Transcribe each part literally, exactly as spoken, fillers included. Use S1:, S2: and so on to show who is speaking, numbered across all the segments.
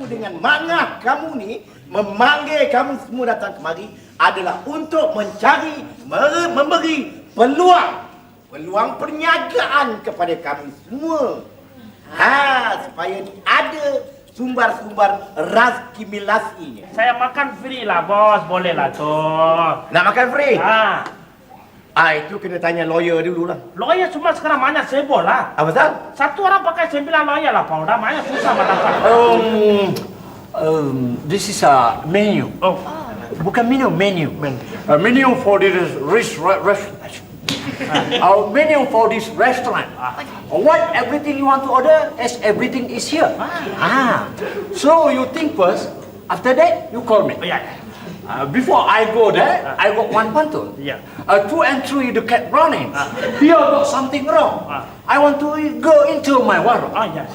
S1: dengan mangah kamu ni memanggil kamu semua datang kemari adalah untuk mencari, memberi peluang peluang perniagaan kepada kami semua. Ha, supaya ada sumber-sumber razkimilasinya.
S2: Saya makan free lah bos, boleh lah tu.
S1: Nak makan free?
S2: Ha.
S1: Ah, itu kena tanya lawyer dulu lah.
S2: Lawyer cuma sekarang banyak sibuk lah.
S1: Apa pasal?
S2: Satu orang pakai sembilan lawyer lah, Pak. Udah banyak susah mendapat.
S3: Um, um, this is a menu.
S2: Oh.
S3: Bukan menu, menu. A menu for this rich restaurant. Our menu for this restaurant. What everything you want to order, as everything is here. Ah. So you think first. After that, you call me.
S2: Oh, yeah.
S3: Uh, before I go there, I got one pantun.
S2: Yeah.
S3: Uh, two and three, the cat running. Uh. Here got something wrong.
S2: Uh.
S3: I want to go into my wardrobe.
S2: Oh, yes.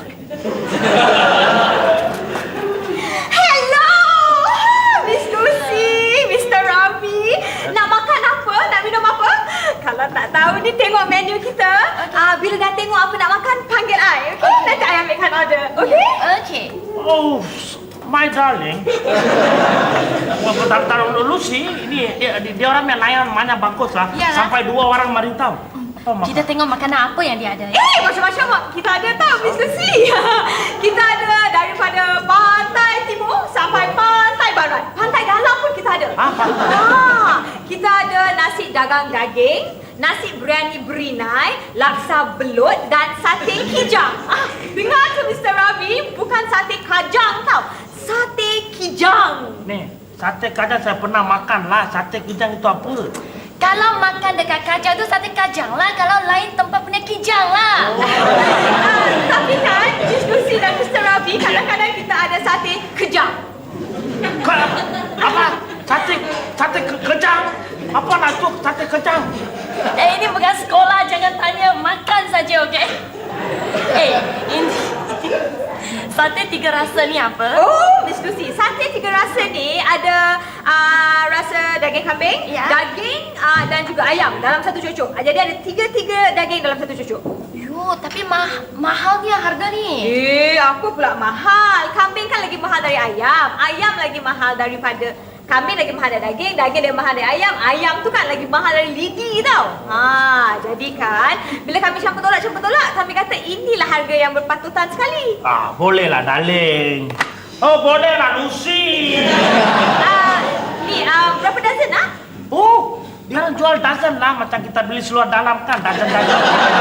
S4: Hello, Miss Lucy, Mister Ravi. Nak makan apa? Nak minum apa? Kalau tak tahu ni tengok menu kita. Okay. Uh, bila dah tengok apa nak makan, panggil I. Okay? Okay. Nanti I ambilkan order. Okay?
S5: Okay.
S2: Oh, my darling. Bentar-bentar Lucy, ini dia, dia orang yang layan banyak bagus lah.
S5: Yalah.
S2: Sampai dua orang merintau.
S5: Kita tengok makanan apa yang dia ada.
S4: Eh, macam-macam mak. Kita ada tau, Miss Lucy. Kita ada daripada pantai timur sampai pantai barat. Pantai dalam pun kita ada.
S2: Ah, pantai.
S4: Ah, kita ada nasi dagang daging, nasi biryani berinai, laksa belut dan sate kijang. Ah, dengar tu Mister Ravi, bukan sate kajang tau. Sate kijang.
S2: Nih, sate kajang saya pernah makan lah. Sate kijang itu apa?
S5: Kalau makan dekat kajang tu sate kajang lah. Kalau lain tempat punya kijang lah.
S4: Oh. Ah, tapi kan, Miss Lucy dan Mister Ravi, kadang-kadang kita ada sate kejang.
S2: Ke, apa? Sate sate ke, kejang? Apa nak tu sate kejang?
S5: Eh, ini bukan sekolah. Jangan tanya. Makan saja, okey? Eh, ini... Sate tiga rasa ni apa?
S4: Oh, Miss Lucy, sate tiga rasa ni ada uh, rasa daging kambing,
S5: ya.
S4: daging uh, dan juga ayam dalam satu cucuk. Uh, jadi ada tiga-tiga daging dalam satu cucuk.
S5: Yo, tapi mah mahalnya harga ni.
S4: Eh, apa pula mahal? Kambing kan lagi mahal dari ayam. Ayam lagi mahal daripada kambing, lagi mahal dari daging, daging lagi mahal dari ayam. Ayam tu kan lagi mahal dari lidi tau. Ha, jadi kan bila kami campur tolak-campur tolak, kami kata inilah harga yang berpatutan sekali.
S2: Ah, boleh lah, darling. Oh, boleh lah, Lucy.
S4: Ah, ni uh, berapa dozen ah?
S2: Oh, dia orang jual dozen lah. Macam kita beli seluar dalam kan, dozen-dozen.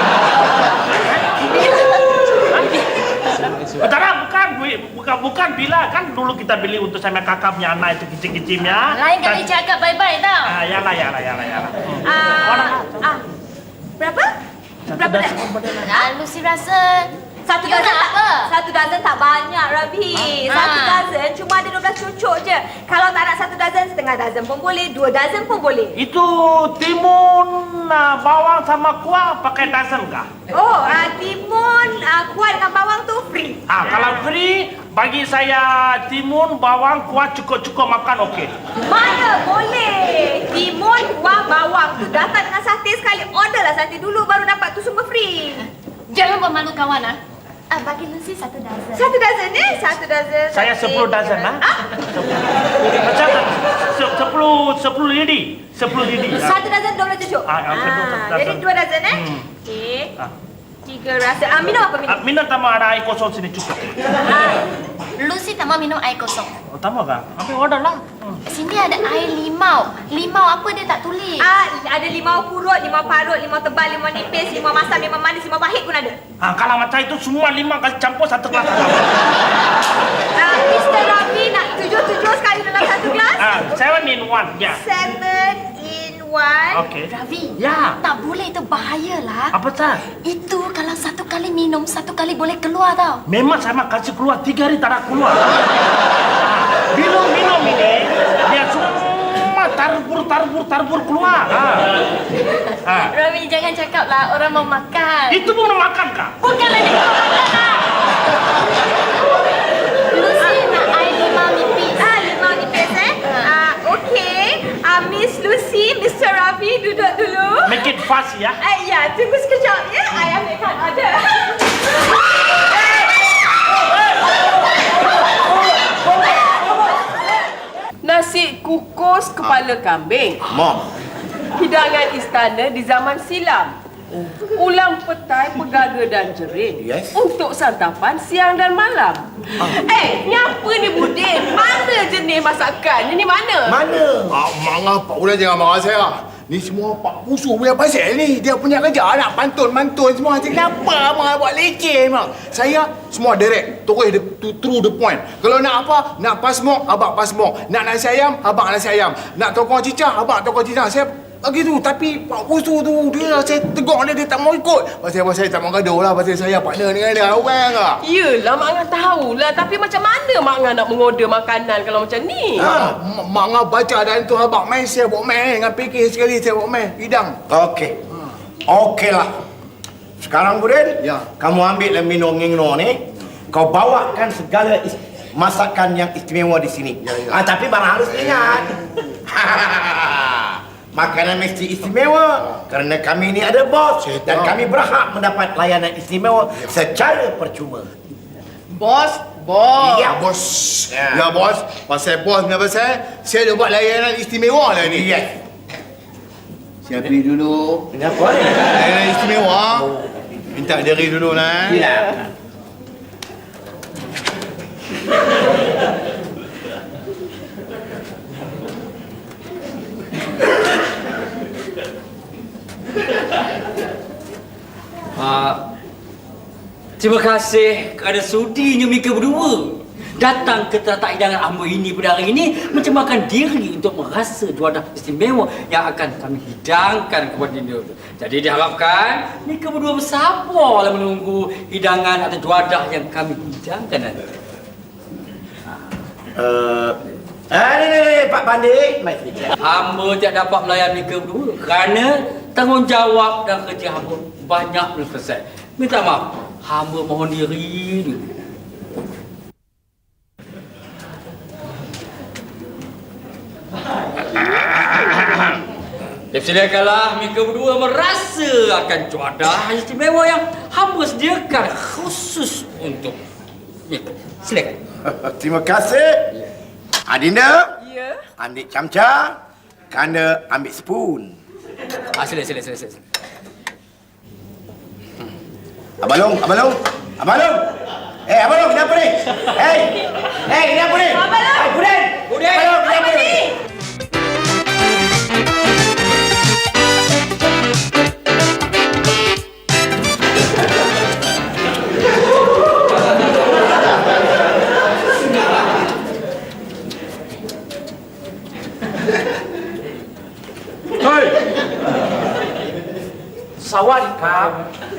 S2: Betul bukan, bukan, bukan bila kan dulu kita beli untuk sama kakak punya anak itu kicim-kicimnya.
S5: Lain kali cakap bye-bye tau.
S2: Ah, yalah, yalah, yalah, yalah.
S4: Ah, ah, berapa? Berapa dah?
S5: Ah, Lucy rasa
S4: Satu
S5: you
S4: dozen
S5: nak
S4: tak
S5: apa?
S4: Satu dozen tak banyak, Rabi.
S5: Ah.
S4: Satu
S5: Ah.
S4: dozen cuma ada dua belas cucuk je. Kalau tak nak satu dozen, setengah dozen pun boleh, dua dozen pun boleh.
S2: Itu timun, uh, bawang sama kuah pakai dozen kah?
S4: Oh, uh, timun, uh, kuah dengan bawang tu free.
S2: Ah, kalau free, bagi saya timun, bawang, kuah cukup-cukup makan okey.
S4: Mana boleh? Timun, kuah, bawang tu datang dengan sate sekali. Order lah sate dulu baru dapat tu semua free.
S5: Jangan bermalu kawan ah. Ah, bagi Lucy satu dozen.
S4: Satu dozen eh? Satu dozen.
S2: Saya
S4: sate,
S2: sepuluh dozen
S4: tiga
S2: lah.
S4: Ah?
S2: Macam se- sepuluh, sepuluh lidi. Sepuluh lidi.
S4: Satu dozen dua belas cucuk.
S2: Ah, okey, dua dozen.
S4: Jadi dua dozen eh?
S2: Hmm.
S4: Okey.
S2: Ah.
S4: Tiga rasa. Ah, minum apa minum?
S2: Ah, minum tambah ada air kosong sini cukup.
S4: Ah.
S5: Lucy tak mau minum air kosong.
S2: Oh, tambah kah? Ambil order lah. Hmm.
S5: Sini ada air limau. Limau apa dia tak tulis?
S4: Ah, ada limau kurut, limau parut, limau tebal, limau nipis, limau masam, limau manis, limau pahit pun ada.
S2: Ah, kalau macam itu semua lima kasih campur satu gelas.
S4: Ah, Mister Rafi nak tujuh-tujuh sekali dalam satu gelas?
S2: Ah, seven in one. Ya.
S4: Seven in one.
S2: Okey.
S5: Ravi,
S2: Ya.
S5: tak boleh, itu bahayalah.
S2: Apa sah?
S5: Itu kalau satu kali minum, satu kali boleh keluar tau.
S2: Memang saya kasih keluar tiga hari tak ada keluar. Ah, minum minum ini dia semua tarbur tarbur tarbur keluar. Ah. Ah.
S5: Ravi, jangan cakap lah orang mau makan.
S2: Itu pun mau makan kah?
S5: Bukan lagi mau makan lah. Lucy nak air limau nipis.
S4: Ah, limau nipis eh? Ah, okey. Ah, Miss Lucy, Mister Rafi duduk dulu.
S2: Make it fast ya.
S4: Eh, ya, tunggu sekejap ya. I ambilkan order.
S6: kepala kambing.
S1: Mak.
S6: Hidangan istana di zaman silam. Ulam petai, pegaga dan jerin.
S1: Yes.
S6: Untuk santapan siang dan malam. Eh, ni apa ni Budin? Mana jenis masakan? Ini mana?
S1: Mana?
S7: Ah, marah Pak Ulan jangan marah saya. Ni semua Pak Pusu punya pasal ni. Dia punya kerja nak pantun-mantun semua. Kenapa abang buat leceh mak? Saya semua direct. Terus the, to, true the point. Kalau nak apa? Nak pasmok, abang pasmok. Nak nasi ayam, abang nasi ayam. Nak tokong cicah, abang tokong cicah. Saya begitu. Tapi Pak Pusu tu, dia saya tegur dia, dia tak mau ikut. Pasal saya tak mau gaduh lah. Pasal saya partner dengan dia. Orang tak?
S6: Yelah, Mak Ngah tahulah. Tapi macam mana Mak Ngah nak mengorder makanan kalau macam ni?
S7: Ha. Mak Ngah baca dan tu abang main, saya buat main. Dengan fikir sekali saya buat main. Hidang.
S1: Okey. Okeylah. Sekarang Budin,
S7: Ya.
S1: kamu ambil le minum ngingno ni, kau bawakan segala is- masakan yang istimewa di sini.
S7: Ya, ya.
S1: Ah, tapi barang harus ingat. Makanan mesti istimewa kerana kami ini ada bos
S7: Saya
S1: dan
S7: tahu.
S1: kami berhak mendapat layanan istimewa secara percuma.
S6: Bos, bos.
S1: Ya.
S7: Bos.
S1: Ya.
S7: Ya, bos. Pasal bos ni pasal saya dah buat layanan istimewa lah ni.
S1: Yes.
S7: Saya beli dulu.
S1: Kenapa?
S7: Layanan istimewa. Minta diri dulu lah.
S1: Ya.
S8: Uh, terima kasih kerana sudinya mereka berdua datang ke teratak hidangan hamba ini pada hari ini mencemahkan diri untuk merasa juadah istimewa yang akan kami hidangkan kepada dia. Jadi diharapkan mereka berdua bersabarlah menunggu hidangan atau juadah yang kami hidangkan nanti.
S1: Uh, ah, ni, ni, ni, Pak Pandi. Mai sedikit.
S8: Hamba tidak dapat melayan mereka berdua kerana tanggungjawab dan kerja hamba banyak belum selesai. Minta maaf, hamba mohon diri dulu. Dipersilakanlah mereka berdua merasa akan juadah istimewa yang hamba sediakan khusus untuk mereka. Silakan.
S1: Terima kasih. Adinda,
S6: Ya.
S1: ambil camca, Kanda ambil spoon.
S8: Ah, sila, sila, sila, sila.
S1: Abang Long, Abang Long, Abang Long. Eh, Abang Long, kenapa ni? Hei, hei, kenapa ni?
S4: Abang Long.
S1: Hei, Budin.
S8: Budin.
S1: Abang Long, kenapa ni?
S2: Hei! Sawadikap.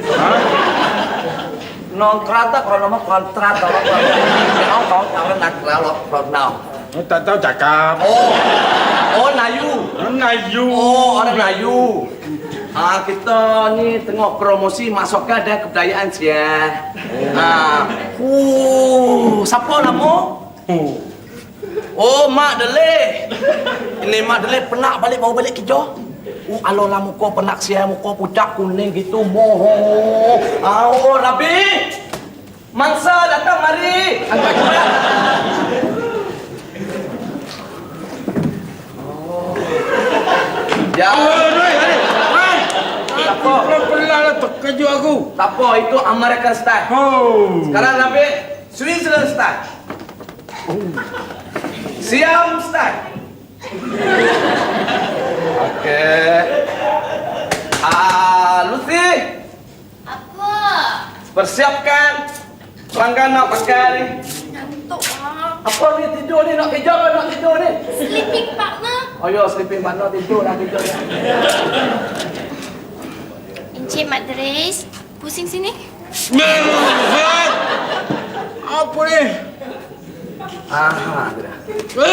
S2: Non trata kalau nama kontrata orang orang kau orang nak kalau pronau.
S9: Tak tahu cakap.
S2: Oh, oh Nayu.
S9: Nayu.
S2: Oh orang Nayu. Ah kita ni tengok promosi masakan dan kebudayaan sia. Ah, uh, siapa nama? Oh Mak Dele. Ini Mak Dele pernah balik bawa balik kerja. Oh, alolah muka penak sia, muka pucat kuning gitu moho. Ah, oh Rabi. Mangsa datang mari. Angkat cepat. Oh. Ya. Apa?
S9: Pelan-pelan lah terkejut aku.
S2: Apa itu American style.
S9: Oh.
S2: Sekarang Rabi, Switzerland style. Siam style. Okey. Ah, Lucy,
S5: Apa?
S2: persiapkan pelanggan nak makan ni.
S5: Ngantuk ah.
S2: Apa ni tidur ni nak kerja ke nak tidur ni?
S5: Sleeping partner.
S2: Oh ya, sleeping partner tidur dah tidur dah.
S5: Encik Mak Dres, pusing sini.
S7: Apa ni?
S2: Aha, tu dah.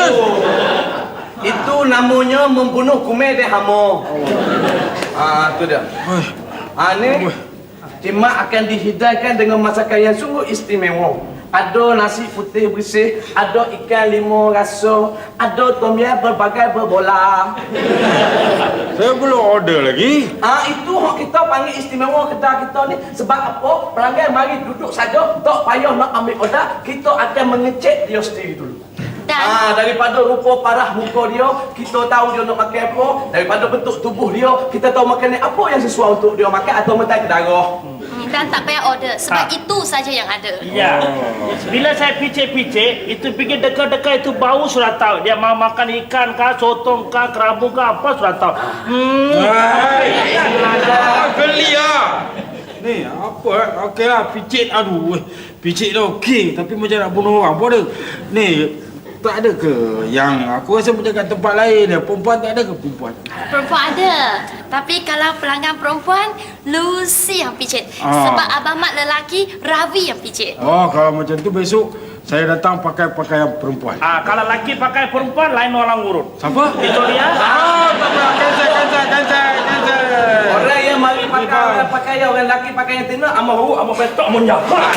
S2: Itu namanya membunuh kume de hamo. Ah, tu dah. Ah ni Cimak akan dihidangkan dengan masakan yang sungguh istimewa. Ada nasi putih bersih, ada ikan limau rasa, ada tom yam berbagai berbola.
S9: Saya belum order lagi.
S2: Ah itu hak kita panggil istimewa kedai kita ni sebab apa? Pelanggan mari duduk saja, tak payah nak ambil order, kita akan mengecek dia sendiri dulu.
S5: Tak Kan?
S2: Ah, daripada rupa parah muka dia, kita tahu dia nak makan apa. Daripada bentuk tubuh dia, kita tahu makanan apa yang sesuai untuk dia makan atau mentai ke darah.
S5: Hmm, dan tak payah order sebab
S3: Ah.
S5: itu saja yang ada.
S3: Ya. Bila saya picit-picit, itu pergi dekat-dekat itu bau sudah tahu. Dia mau makan ikan kah, sotong kah, kerabu kah, apa sudah tahu. Hmm.
S9: Hai. Ah, geli ah. Ni apa eh? Okeylah picit aduh. Picit dah okey tapi macam nak bunuh orang apa ada. Ni tak ada ke yang aku rasa macam kat tempat lain dia perempuan tak ada ke perempuan?
S5: Perempuan ada. Tapi kalau pelanggan perempuan, Lucy yang picit.
S9: Ah.
S5: Sebab Abang Mat lelaki, Ravi yang picit.
S9: Oh kalau macam tu besok saya datang pakai pakaian perempuan.
S3: Ah, kalau laki pakai perempuan, lain orang urut.
S9: Siapa?
S3: Itu dia.
S9: Ah, tak apa. Cancel, cancel, cancel, cancel.
S2: Orang yang mari pakai orang pakai orang lelaki pakai yang tina, amah hu, amah betok menyapat.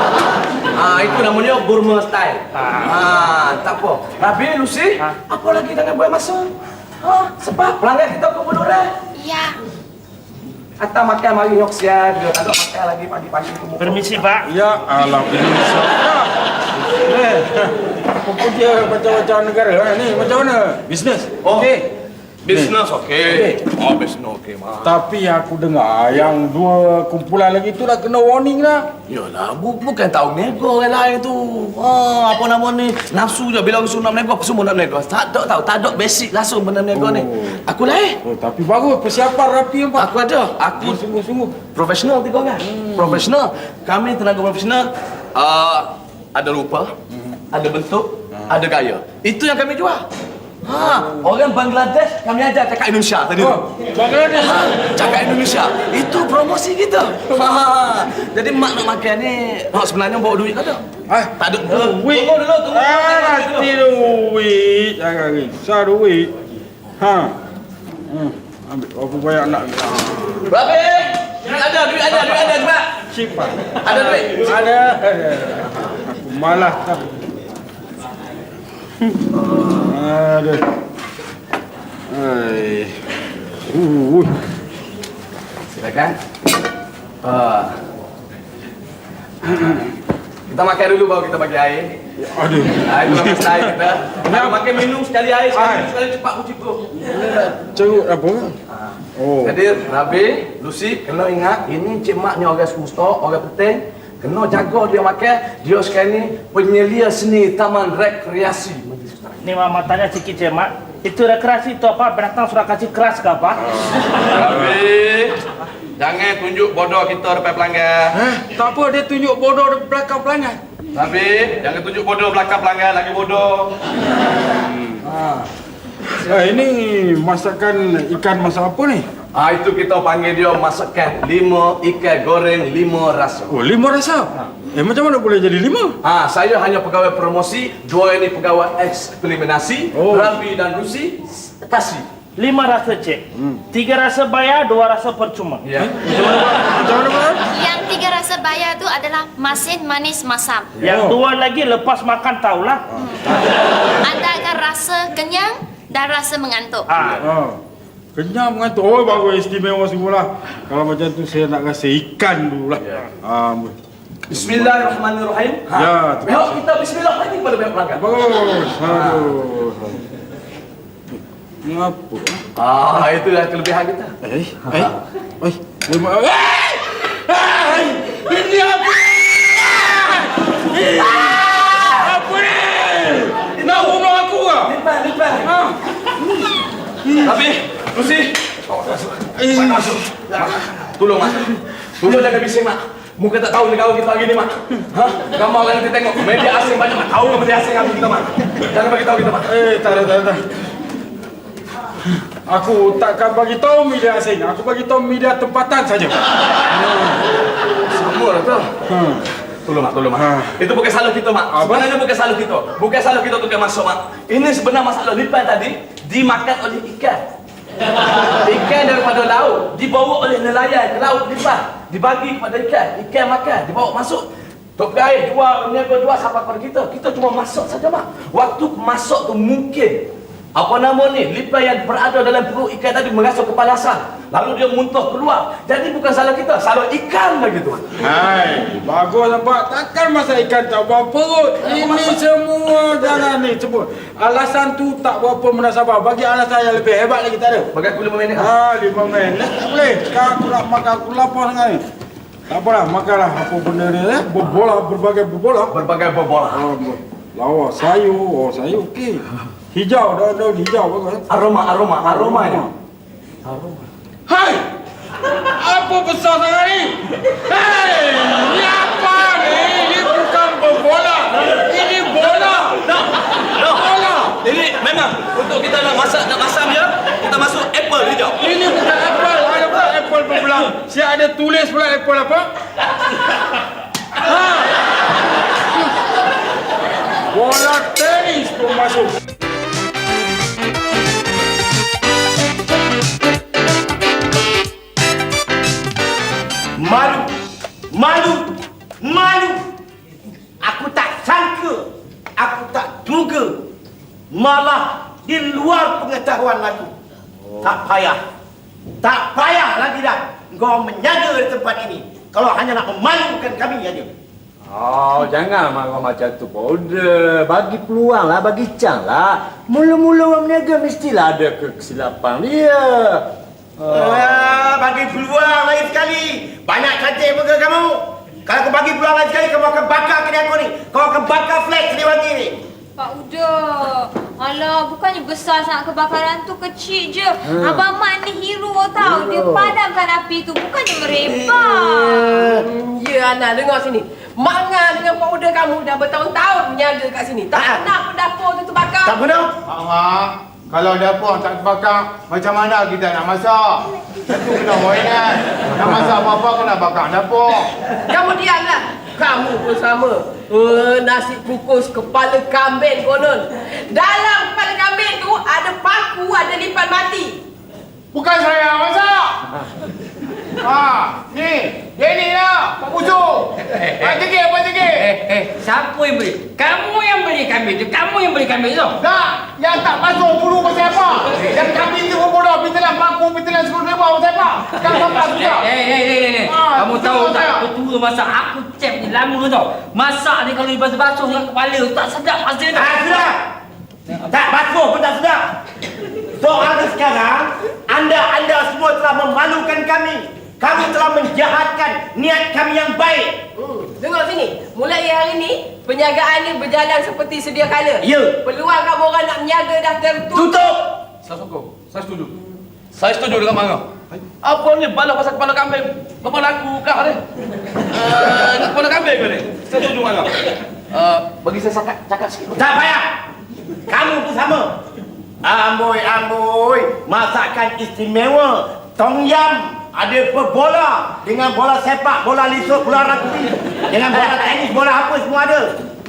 S2: Ah, itu namanya Burma style. Ah, tak apa. Rabi, Lucy, apa lagi jangan buat masa? Ha, sebab pelanggan kita ke bodoh dah.
S5: Ya.
S2: Atau makan mari nyok siang, dia tak ada makan lagi pagi-pagi ke muka.
S3: Permisi, Pak.
S9: Ya, alah bisa. Eh, apa pun dia macam-macam negara eh, ni macam mana? Bisnes.
S2: Oh.
S9: Okey.
S2: Business okey. Oh, business okey, mah.
S9: Tapi aku dengar yang dua kumpulan lagi tu dah kena warning dah.
S2: Yalah, bu bukan tahu nego orang lain tu. Ah, apa nama ni? Nafsu je bila orang suruh nak nego, apa semua nak nego. Tak ada tahu, tak ada basic langsung benda nego ni. Aku lain.
S9: Oh, tapi bagus persiapan rapi nampak.
S2: Aku ada. Aku
S9: sungguh-sungguh.
S2: profesional tiga orang. Hmm. Profesional. Kami tenaga profesional. Uh, ada rupa, hmm. ada bentuk, hmm. ada gaya. Itu yang kami jual. Ha, orang Bangladesh kami ajar cakap Indonesia tadi tu.
S9: Oh, Bangladesh
S2: ha, cakap Indonesia. Itu promosi kita. Ha, jadi mak nak makan ni, oh, sebenarnya bawa duit ke tak?
S9: Ah,
S2: tak ada.
S9: duit.
S2: Tunggu dulu, tunggu.
S9: Ah, mesti duit. Jangan risau duit. Ha. Hmm. Ambil berapa banyak nak.
S2: Berapa? Duit ada, duit ada, duit ada cepat.
S9: Cepat.
S2: Ada duit.
S9: Ada. Ada. Aku malas tak. Aduh. Hai. Uh.
S2: Silakan. Uh. Kita makan dulu baru kita bagi air.
S9: Aduh.
S2: Ah, itu makan air kita. Kita makan minum sekali air, sekali, sekali cepat puji perut.
S9: Cerut apa? Oh.
S2: Jadi, Rabi, Lucy, kena ingat, ini Cik Mak ni orang swasta, orang penting. Kena jaga dia makan. Dia sekarang ni penyelia seni taman rekreasi.
S3: Ni mama tanya sikit je, Mak. Itu rekreasi itu apa? Binatang sudah kasih keras ke apa?
S2: Rabi, jangan tunjuk bodoh kita depan pelanggan.
S9: Eh, tak apa dia tunjuk bodoh di belakang pelanggan.
S2: Rabi, jangan tunjuk bodoh belakang pelanggan, lagi bodoh. Hmm.
S9: Eh, ini masakan ikan masak apa ni?
S2: Ah, itu kita panggil dia masakan lima ikan goreng lima rasa.
S9: Oh, lima rasa. Eh, macam mana boleh jadi lima?
S2: Ah, saya hanya pegawai promosi, dua ini pegawai eksperimentasi,
S9: Oh.
S2: Rabi dan Lucy kasih.
S3: Lima rasa, Cik. Hmm. Tiga rasa bayar, dua rasa percuma.
S2: Ya.
S9: Macam mana, Pak?
S5: Yang tiga rasa bayar tu adalah masin, manis, masam.
S3: Yang
S9: Oh.
S3: dua lagi lepas makan tahulah.
S5: Anda akan rasa kenyang dan rasa mengantuk.
S3: Ah.
S9: Ah. Kenyang mengantuk. Oh, bagus istimewa semualah. Kalau macam tu saya nak rasa ikan dululah.
S2: Ya.
S9: Ah,
S2: Bismillahirrahmanirrahim. Ha?
S9: Ya, terima
S2: Behok kita bismillah lagi pada behok pelanggan.
S9: bagus. Aduh. Ngapa?
S2: Ah, itulah kelebihan kita.
S9: Eh, eh. Oi, lima. Eh! Eh! Ini apa? Apa ni? Nak bunuh aku ah?
S2: Lipat, lipat.
S9: Ha?
S2: Rabi, Lucy.
S9: Eh,
S2: Tolong, Mak. Tolong jangan bising, Mak. Muka tak tahu negara kita lagi ni, Mak. Ha? Gambar orang nanti tengok. Media asing banyak, Mak. Tahu ke media asing apa kita, Mak? Jangan bagi tahu kita, Mak.
S9: eh, tak ada, tak ada. Aku takkan bagi tahu media asing. Aku bagi tahu media tempatan saja.
S2: Sama lah tu.
S9: Hmm.
S2: Tolong, Mak. Tolong, Mak.
S9: Ha.
S2: Itu bukan salah kita, Mak.
S9: Apa?
S2: Sebenarnya bukan salah kita. Bukan salah kita untuk masuk, Mak. Ini sebenarnya masalah lipan tadi dimakan oleh ikan. Ikan daripada laut dibawa oleh nelayan ke laut lipan. Dibagi kepada ikan. Ikan makan. Dibawa masuk. Tok Gaya jual, berniaga jual sampai kepada kita. Kita cuma masuk saja, Mak. Waktu masuk tu mungkin apa nama ni, lipas yang berada dalam perut ikan tadi merasuk kepanasan. Lalu dia muntah keluar. Jadi bukan salah kita, salah ikan lagi tu.
S9: Hai, bagus nampak. Takkan masa ikan tak buang perut. Ini semua jangan ni sebut. Alasan tu tak berapa munasabah. Bagi alasan yang lebih hebat lagi tak ada.
S2: Bagi aku lima minit.
S9: Ah, lima minit. Tak boleh. Sekarang aku nak makan, aku lapar sangat ni. Tak apalah, makanlah apa benda ni eh. Berbola, berbagai berbola.
S2: Berbagai berbola.
S9: Oh, lawa, sayur. Oh, sayur okey. Hijau, daun-daun hijau bagus.
S2: Aroma, aroma, aromanya.
S9: Aroma. Hai! Apa besar sangat ni? Hei! Ni apa ni? Ini bukan berbola. Ini bola.
S2: No, no.
S9: Bola.
S2: Ini memang untuk kita nak masak, nak masam je, kita masuk apple hijau.
S9: Ini bukan apple. Ada pula apple berbelang. Siap ada tulis pula apple apa? Ha! Bola tenis pun masuk.
S1: Malu, malu, malu. Aku tak sangka, aku tak duga. Malah di luar pengetahuan aku. Tak payah, tak payah lagi dah kau menjaga di tempat ini. Kalau hanya nak memalukan kami aja.
S3: Oh, jangan marah macam tu, Powder. Bagi peluang lah, bagi chance lah. Mula-mula orang berniaga mestilah ada kesilapan dia.
S1: Ah, bagi peluang lagi sekali. Banyak cantik muka kamu. Kalau aku bagi peluang lagi sekali, kamu akan bakar kedai aku ni. Kau akan bakar flat Siliwangi ni.
S4: Pak Uda, alah bukannya besar sangat kebakaran tu, kecil je. Hmm. Abang Mat ni hero tau. Dia padamkan api tu, bukannya merebak.
S6: Hmm, ya anak, dengar sini. Mak Ngah dengan Pak Uda kamu dah bertahun-tahun menjaga kat sini. Tak
S1: Ha.
S6: pernah pun dapur tu terbakar.
S1: Tak pernah?
S7: Mak, kalau dapur tak terbakar, macam mana kita nak masak? Itu kena ingat. Nak masak apa-apa kena bakar dapur.
S6: Kamu diamlah. Kamu pun sama. Uh, nasi kukus kepala kambing konon. Dalam kepala kambing tu ada paku, ada lipan mati.
S7: Bukan saya yang masak. Ha, ni, dia ni lah, Pak Busuk. Ha, cekik, apa cekik?
S8: Eh, eh, siapa yang beli? Kamu yang beli kambing tu. Kamu yang beli kambing tu.
S7: Tak, yang tak masuk dulu pasal apa? Yang kambing tu pun bodoh, pintalan paku, pintalan sepuluh ribu pasal apa? Kan sampai susah.
S8: Eh, eh, eh, eh, eh.
S7: Ah,
S8: Kamu
S7: betul
S8: tahu tak,
S7: saya.
S8: aku tua masak. Aku cep ni lama tau. Masak ni kalau dibasuh-basuh dengan kepala tak sedap hasil tu.
S1: Ah, sudah. Tak basuh pun tak sedap. Soalnya sekarang, anda-anda semua telah memalukan kami. Kami telah menjahatkan niat kami yang baik.
S6: Hmm, dengar sini. Mulai hari ni, perniagaan ni berjalan seperti sedia kala.
S1: Ya.
S6: Peluang kamu orang nak berniaga dah tertutup.
S1: Tutup.
S2: Saya sokong. Saya setuju. Saya setuju dengan Mak Ngah. Apa ni balas pasal kepala kambing? Apa lagu kau ni? Uh, kepala kambing ke ni? Saya setuju Mak Ngah. Uh, bagi saya cakap, cakap sikit.
S1: Tak payah. Kamu pun sama. Amboi, amboi. Masakan istimewa. Tom yam. Ada bola dengan bola sepak, bola lisuk, bola rugby, dengan bola tenis, bola apa semua ada.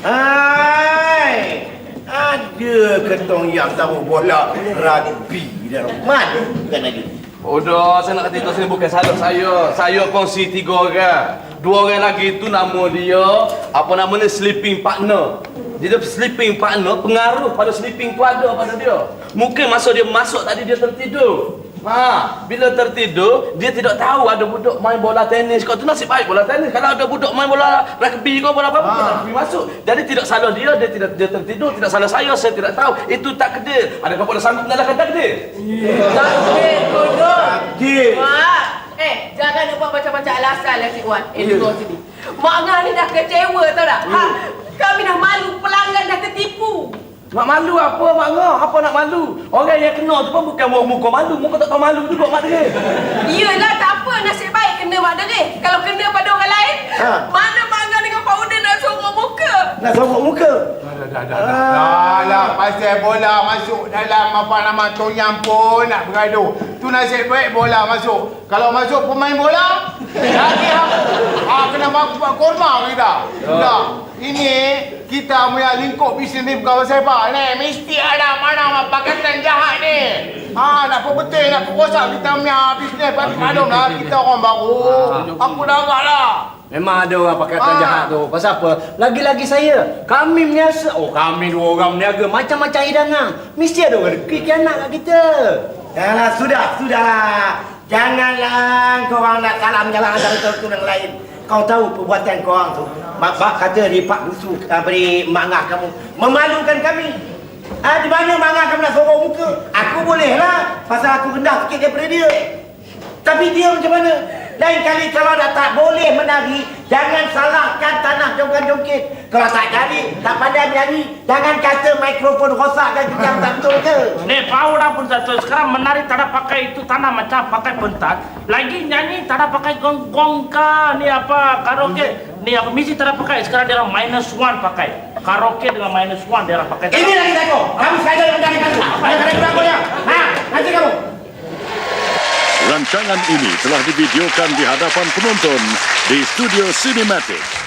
S1: Hai, ada ketong yang tahu bola rugby dan mana bukan ada.
S2: Udah, saya nak kata itu sini bukan salah saya. Saya kongsi tiga orang. Dua orang lagi itu nama dia, apa nama ni, sleeping partner. Dia sleeping partner, pengaruh pada sleeping tu ada pada dia. Mungkin masa dia masuk tadi dia tertidur. Ha, bila tertidur, dia tidak tahu ada budak main bola tenis. Kau tu nasib baik bola tenis. Kalau ada budak main bola rugby kau bola apa-apa, ha. Rugby masuk. Jadi tidak salah dia, dia tidak dia tertidur, tidak salah saya, saya tidak tahu. Itu takdir. Adakah boleh sanggup menyalahkan takdir?
S6: Takdir, bodoh.
S1: Takdir.
S6: Mak, eh, jangan nak buat macam-macam alasan lah Cik Wan. Eh, dengar sini. Mak Ngah ni dah kecewa tau tak? Ha, kami dah malu, pelanggan dah tertipu.
S2: Mak malu apa Mak Ngah? Apa nak malu? Orang yang kena tu pun bukan muka malu. Muka tak tahu malu juga Mak Dereh.
S6: Iyalah, tak apa, nasib baik kena Mak Dereh. Kalau kena pada orang lain,
S1: Ha.
S6: mana Mak Ngah dengan Pak Uda nak sorok muka?
S1: Nak sorok muka.
S7: Dah, dah, dah, dah. Dah lah, pasal bola masuk dalam apa nama toyang pun nak bergaduh. Tu nasib baik bola masuk. Kalau masuk pemain bola, lagi aku. Ah, kena buat korma kita. Dah. Ini kita punya lingkup bisnes ni bukan pasal apa ni. Mesti ada mana pakatan jahat ni. Ha, nak betul nak rosak kita punya bisnes. Bagi maklum lah kita orang baru. Aku dah agak lah.
S3: Memang ada orang pakaian
S7: Ah.
S3: jahat tu. Pasal apa? Lagi-lagi saya. Kami meniasa. Oh, kami dua orang meniaga. Macam-macam hidangan. Mesti ada orang deki anak kat kita.
S1: Janganlah, sudah, sudahlah. Janganlah korang nak salah menyalah antara satu dengan lain. Kau tahu perbuatan korang tu. Mak bak kata di pak busu, uh, beri mak ngah kamu. Memalukan kami. Ah, di mana mak ngah kamu nak sorong muka? Aku boleh lah. Pasal aku rendah sikit daripada dia. Tapi dia macam mana? Lain kali kalau dah tak boleh menari, jangan salahkan tanah jongkan-jongkit. Kalau tak jadi, tak pandai menyanyi, jangan kata mikrofon rosak dan kita tak betul ke?
S10: Nih, Pak orang pun satu. Sekarang menari tak ada pakai itu tanah macam pakai pentat. Lagi nyanyi tak ada pakai gong-gong kah? Ni apa? Karaoke. Ni apa? Mesti tak ada pakai. Sekarang dia orang minus one pakai. Karaoke dengan minus one dia orang pakai.
S1: Ini lagi tako. Kamu sekadar menari kamu. Jangan berlaku ya. Ha, nanti kamu.
S11: Rancangan ini telah divideokan di hadapan penonton di Studio Cinematic.